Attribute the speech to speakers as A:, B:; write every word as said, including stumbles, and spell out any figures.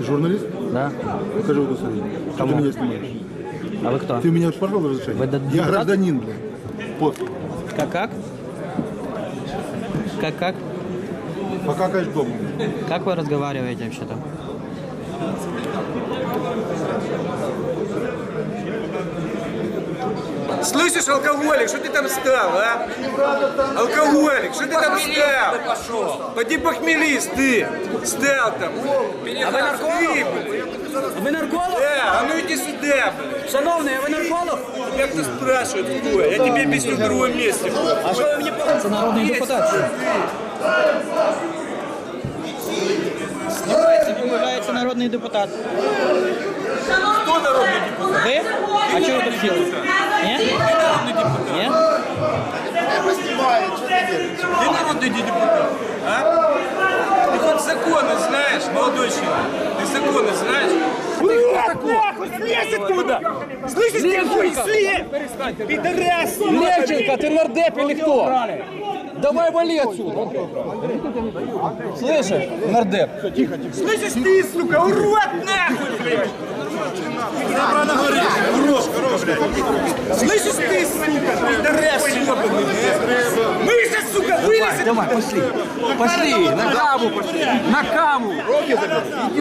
A: журналист?
B: Да.
A: Покажи удостоверение. Что
B: Кому?
A: ты меня снимаешь?
B: А вы кто?
A: Ты у меня спрашивал разрешение?
B: Вы д-
A: Я
B: депутат?
A: гражданин, блядь. Вот.
B: Как как? Как как?
A: Пока, конечно, дома.
B: Как вы разговариваете вообще-то?
C: Слышишь, алкоголик, что ты там стал, а? Алкоголик, что ты там стал? Поди похмелись, ты. Стал там.
D: А ви нарколог? Ви нарколог?
C: Да, а ну иди сюда, блядь.
D: Шановний, а ви нарколог?
C: Тебя кто спрашивает, кто? Я тебе объясню в другом месте.
D: А що ви мені показуєте?
B: Це народний депутат. Він вважається народний депутат.
C: Кто народный депутат?
B: Ви? А чого ви тут сіли? Ні?
C: Ты народный депутат.
B: Ні?
C: Ты народный депутат, а? Ты хоть законы знаешь, молодой человек? Ты законы знаешь?
D: Нахуй, слезь оттуда! Слышишь, ты хуй, слезь! Пидорас!
E: Левченко, ты нардеп или кто? Давай вали отсюда. Слышишь, нардеп?
C: Слышишь ты, сука, урод, нахуй, блядь! Слышишь ты, сука, пидорас, ебаный, блядь! Мышца, сука, вылезет!
E: Давай, пошли. Пошли, на каву пошли. На каву.